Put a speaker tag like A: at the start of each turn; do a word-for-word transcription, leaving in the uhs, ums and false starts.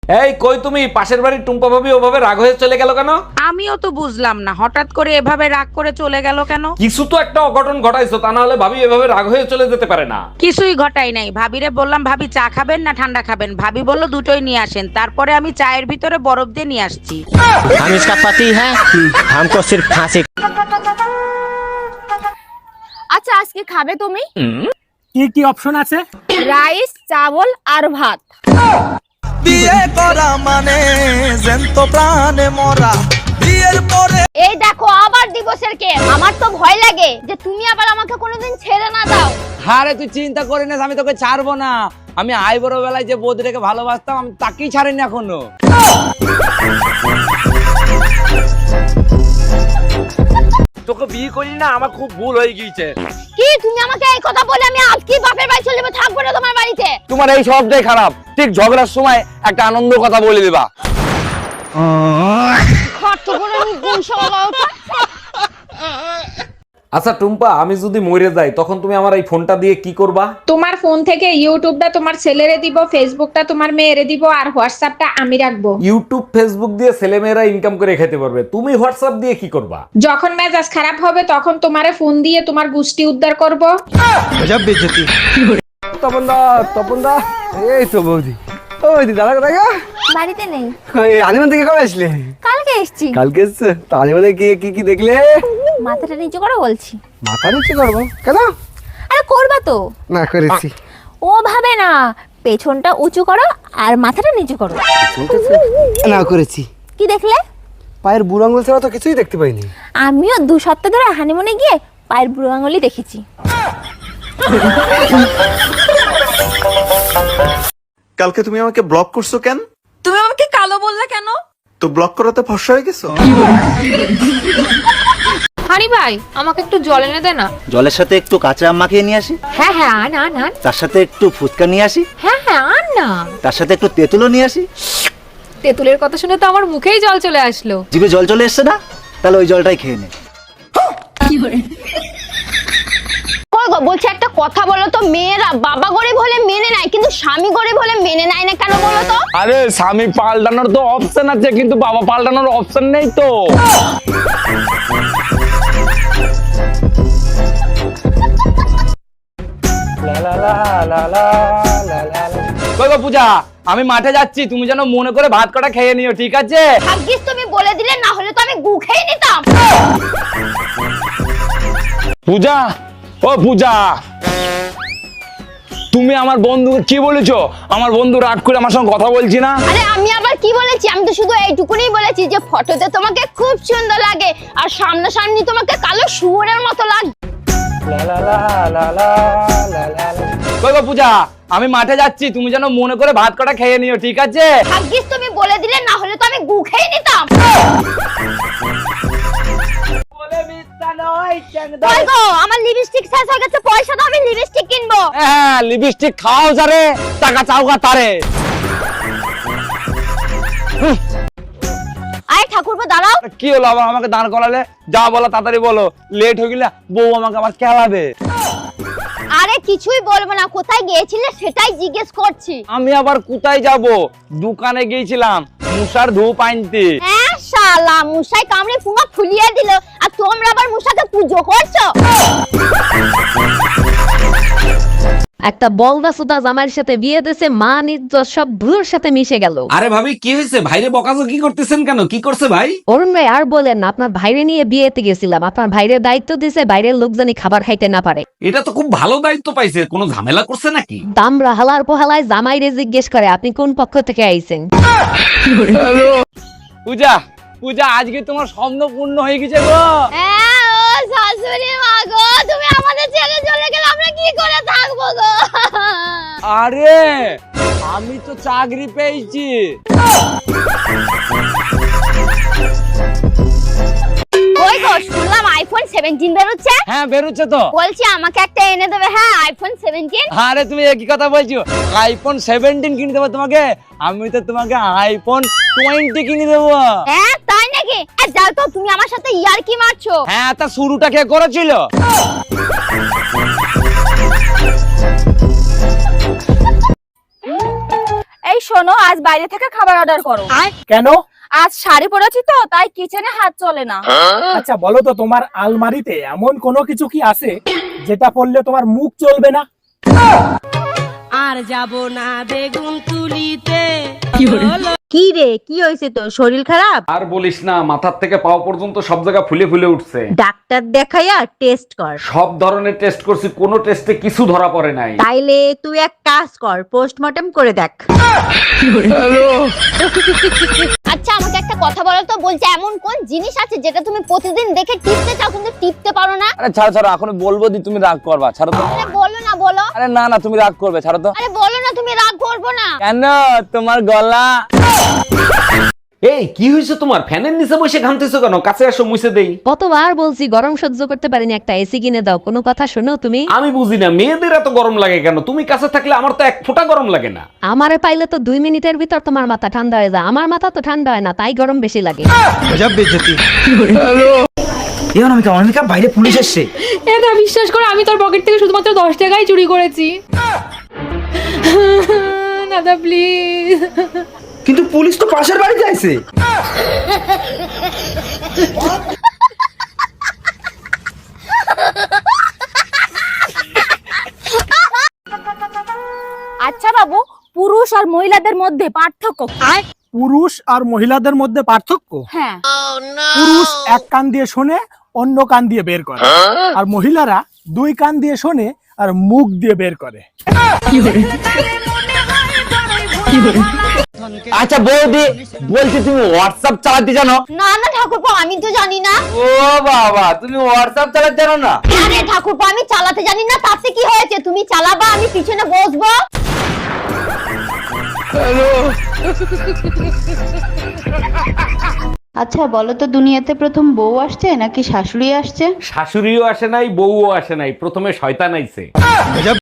A: এই কই তুমি? পাশের বাড়ির টুম্পা ভাবি ওভাবে রাগ হয়ে চলে গেল কেন?
B: আমিও তো বুঝলাম না হঠাৎ করে এভাবে রাগ করে চলে গেল কেন।
A: কিছু তো একটা অঘটন ঘটাইছো, তা না হলে ভাবি এভাবে রাগ হয়ে চলে যেতে পারে না।
B: কিছুই ঘটাই নাই। ভাবিরে বললাম ভাবি চা খাবেন না ঠান্ডা খাবেন, ভাবি বলল দুটোই নিয়ে আসেন। তারপরে আমি চায়ের ভিতরে বরফ দিয়ে নিয়ে আসছি।
C: हम इसका पति है, हमको सिर्फ फांसी।
D: আচ্ছা আজকে খাবে তুমি?
E: কি কি অপশন আছে?
D: রাইস, চাবল আর ভাত।
F: বিয়ে করা মানে জ্যান্ত প্রাণে মরা। বিয়ের পরে
D: এই দেখো আবার দিবসের কে। আমার তো ভয় লাগে যে তুমি আবার আমাকে কোনোদিন ছেড়ে না দাও।
G: আরে তুই চিন্তা করিস না, আমি তোকে ছাড়বো না। আমি আই বড় বেলায় যে বৌদিটাকে ভালোবাসতাম আমি তাকেই ছাড়িনি এখনো।
A: তোকে বিয়ে করি না, আমার খুব ভুল হয়ে গিয়েছে।
D: কি তুমি আমাকে এই কথা বলে আমি আজকে বাপের বাড়ি চলে যাবো, থাকবো না তোমার বাড়িতে।
G: তোমার এই সবটাই খারাপ। ঠিক ঝগড়ার সময় একটা আনন্দ কথা বলে দিবা।
D: খরচ করে আমি গুণ সবাই।
A: আচ্ছা টুম্পা, আমি যদি মরে যাই তখন তুমি আমার এই ফোনটা দিয়ে কি করবা?
H: তোমার ফোন থেকে ইউটিউবটা তোমার ছেলেরে দিব, ফেসবুকটা তোমার মেয়েরে দিব, আর হোয়াটসঅ্যাপটা আমি রাখবো।
A: ইউটিউব ফেসবুক দিয়ে ছেলেমেয়েরা ইনকাম করে খেতে পারবে, তুমি হোয়াটসঅ্যাপ দিয়ে কি করবা?
H: যখন মেজাজ খারাপ হবে তখন তোমারে ফোন দিয়ে তোমার গোষ্ঠী উদ্ধার করব।
E: তপন দা, তপন দা, এই তো বৌদি। ও বৌদি, দাদা কোথায় গো?
D: বাড়িতে নেই।
E: এই আলিমান থেকে কবে আসলে?
D: কালকে এসেছি।
E: কালকে এসছে? তো আলিমানে কি কি কি দেখলে?
D: মাথাটা নিচু করে বলছি।
E: মাথা নিচু করবো কেন?
D: আরে করবা তো।
E: না করেছি।
D: ও ভাবে না, পেছনটা উঁচু করো আর মাথাটা নিচু করো।
E: না করেছি।
D: কি দেখলে?
E: পায়ের বুড়ো আঙুল ছাড়া তো কিছুই দেখতে পাইনি।
D: আমিও দু সপ্তাহ ধরে হানিমুনে গিয়ে পায়ের বুড়ো আঙুলই দেখেছি।
F: কালকে তুমি আমাকে ব্লক করছো কেন?
B: তুমি আমাকে কালো বললে কেন?
F: তো ব্লক করাতে ফর্সা হয়ে গেছো?
I: হানি ভাই আমাকে একটু জল এনে দে না।
C: জলের সাথে একটু কাঁচা আম মাখিয়ে নিয়ে আসি,
I: হ্যাঁ হ্যাঁ আন আন আন।
C: তার সাথে একটু ফুচকা নিয়ে আসি,
I: হ্যাঁ হ্যাঁ আন না।
C: তার সাথে একটু তেঁতুলও নিয়ে আসি।
I: তেঁতুলের কথা শুনে তো আমার মুখেই জল চলে আসলো।
C: জিভে জল চলে এসছে না? তাহলে ওই জলটাই খেয়ে নে।
D: কই গো, বলছি একটা কথা বলো তো, মেয়েরা বাবা গরিব হলে মেনে নেয় কিন্তু স্বামী গরিব হলে মেনে নেয় না কেন বলো তো?
G: আরে স্বামী পাল্টানোর তো অপশন আছে, কিন্তু বাবা পাল্টানোর অপশন নেই তো। কই গো পূজা, আমি মাঠে যাচ্ছি, তুমি যেন মনে করে ভাত কটা খেয়ে নিও, ঠিক আছে?
D: ভাগ্যিস তুমি বলে দিলে, না হলে তো আমি গু খেয়ে নিতাম।
G: পূজা, ও পূজা, তুমি আমার বন্ধুকে কি বলেছো? আমার বন্ধু রাগ করে আমার সঙ্গে কথা বলছি না।
D: আরে আমি আবার কি বলেছি? আমি তো শুধু এইটুকুনি বলেছি যে ফটোতে তোমাকে খুব সুন্দর লাগে আর সামনাসামনি তোমাকে কালো শুয়োরের মতো লাগে।
G: কই গো পূজা, আমি মাঠে যাচ্ছি, তুমি যেন মনে করে ভাত কটা খেয়ে নিও, ঠিক আছে?
D: ভাগ্যিস তুমি বলে দিলে, না হলে তো আমি গু খেয়ে নিতাম। কই গো, আমার লিপস্টিক শেষ হয়ে গেছে, পয়সা দাও, আমি লিপস্টিক কিনবো।
G: হ্যাঁ, লিপস্টিক খাও যারে, টাকা চাওগা তারে।
D: আয় ঠাকুরপো দাঁড়াও।
G: কি হলো আবার আমাকে দাঁড় করালে? যা বলো তাড়াতাড়ি বলো, লেট হয়ে গেলে বউ আমাকে আবার খেলাবে।
D: আরে কিছুই বলবো না, কোথায় গিয়েছিলে সেটাই জিজ্ঞেস করছি।
G: আমি আবার কোথায় যাব? দোকানে গিয়েছিলাম মুসার ধূপ আনতে।
D: হ্যাঁ শালা, মুসাই কামড়ে পুরো ফুলিয়ে দিল, আর তোমরা আবার মুসাকে পুজো করছো।
I: একটা বলদা সুদা জামাইয়ের সাথে বিয়ে দিয়েছে, মান ইজ্জত সব ভুলোর সাথে মিশে গেল।
A: আরে ভাবি কি হয়েছে? ভাইরে বকাজো কি করতেছেন কেন? কি করছে ভাই?
I: অরুণ ভাই আর বলেন না, আপনার ভাইরে নিয়ে বিয়েতে গেছিলাম, আপনার ভাইরে দায়িত্ব দিয়েছে বাইরের লোক জানি খাবার খাইতে না পারে।
A: এটা তো খুব ভালো দায়িত্ব পাইছে, কোনো ঝামেলা করছে নাকি?
I: দামরা হালার পোহালায় জামাইরে জিজ্ঞেস করে আপনি কোন পক্ষ থেকে আইছেন।
G: পূজা, পূজা আজকে তোমার স্বপ্ন পূর্ণ হয়ে গেছে গো।
D: হ্যাঁ ও শাশুড়ি মা গো, তুমি আমাদের ছেড়ে চলে গেলে আমরা কি করে থাকবো গো?
G: আরে আমি তো চাকরি পেয়েছি।
D: কই গো, শুনলাম আইফোন সেভেন্টিন বেরোচ্ছে।
G: হ্যাঁ বেরোচ্ছে তো।
D: বলছি আমাকে একটা এনে দেবে। হ্যাঁ আইফোন সেভেন্টিন।
G: আরে তুমি একই কথা বলছো, আইফোন সেভেন্টিন কিনে দেবো তোমাকে? আমি তো তোমাকে আইফোন টোয়েন্টি কিনে দেবো।
D: হ্যাঁ তাই নাকি? যাও তো, তুমি আমার সাথে ইয়ার্কি মারছো।
G: হ্যাঁ, তা শুরুটা কে করেছিল?
D: এই শোনো, আজ বাইরে থেকে খাবার অর্ডার করো।
E: কেন?
D: আজ শাড়ি পরেছি তো, তাই কিচেনে হাত চলে না।
E: আচ্ছা বলো তো, তোমার আলমারিতে এমন কোনো কিছু কি আছে যেটা পরলে তোমার মুখ চলবে না?
B: আর যাব না বেগুন তুলিতে।
I: কি রে, কি হয়েছে তোর? শরীর খারাপ?
A: আর বলিস না, মাথার থেকে পাও পর্যন্ত সব জায়গা ফুলে ফুলে উঠছে।
I: ডাক্তার দেখাইয়া টেস্ট কর।
A: সব ধরনের টেস্ট করছি, কোনো টেস্টে কিছু ধরা পড়ে নাই।
I: তাইলে তুই এক কাজ কর, পোস্টমর্টম করে দেখ।
D: আচ্ছা আমাকে একটা কথা বলো তো, বলছে এমন কোন জিনিস আছে যেটা তুমি প্রতিদিন দেখে টিপতে চাও কিন্তু টিপতে পারো না?
G: আরে ছাড়ো ছাড়ো, এখন বলবো দি তুমি রাগ করবা, ছাড়ো তো।
D: আরে বলো না, বলো।
G: আরে না না, তুমি রাগ করবে, ছাড়ো তো।
D: আরে বলো না, তুমি রাগ করবো না।
G: কেন? তোমার গলা।
A: এই কি হয়েছে তোমার? ফ্যানের নিচে বসে ঘামতেছো কেন? কাছে আসো, মুছে দেই।
I: কতবার বলছি গরম সহ্য করতে পারিনি, একটা এসি কিনে দাও। কোনো কথা শোনো তুমি?
A: আমি বুঝি না, মেয়েদের এত গরম লাগে কেন? তুমি কাছে থাকলে আমার তো এক ফোঁটা গরম লাগে না।
I: আমারে পাইলে তো দুই মিনিটের ভিতর তোমার মাথা ঠান্ডা হয়ে যায়। আমার মাথা তো ঠান্ডা হয় না, তাই গরম বেশি লাগে।
E: বাইরে পুলিশ এসছে।
H: এটা বিশ্বাস করো, আমি তোর পকেট থেকে শুধুমাত্র দশ টাকাই চুরি করেছি। দাদা প্লিজ।
E: কিন্তু পুলিশ তো পাশের বাড়িতে আছে।
D: আচ্ছা বাবু, পুরুষ আর মহিলাদের মধ্যে পার্থক্য কি?
E: পুরুষ আর মহিলাদের মধ্যে পার্থক্য?
D: হ্যাঁ।
E: পুরুষ এক কান দিয়ে শোনে, অন্য কান দিয়ে বের করে, আর মহিলারা দুই কান দিয়ে শোনে আর মুখ দিয়ে বের করে।
G: আচ্ছা বৌদি, বলছি তুমি হোয়াটসঅ্যাপ চালাতে জানো?
D: না না ঠাকুরপো, আমি তো জানি না।
G: ও বাবা, তুমি হোয়াটসঅ্যাপ চালাতে জানো না?
D: আরে ঠাকুরপো, আমি চালাতে জানি না, তাতে কি হয়েছে? তুমি চালাবা, আমি পিছনে বসবো।
J: আচ্ছা বলো তো, দুনিয়াতে প্রথম বউ আসছে নাকি শাশুড়ি আসছে?
A: শাশুড়িও আসে নাই, বউও আসে নাই, প্রথমে শয়তান আইছে।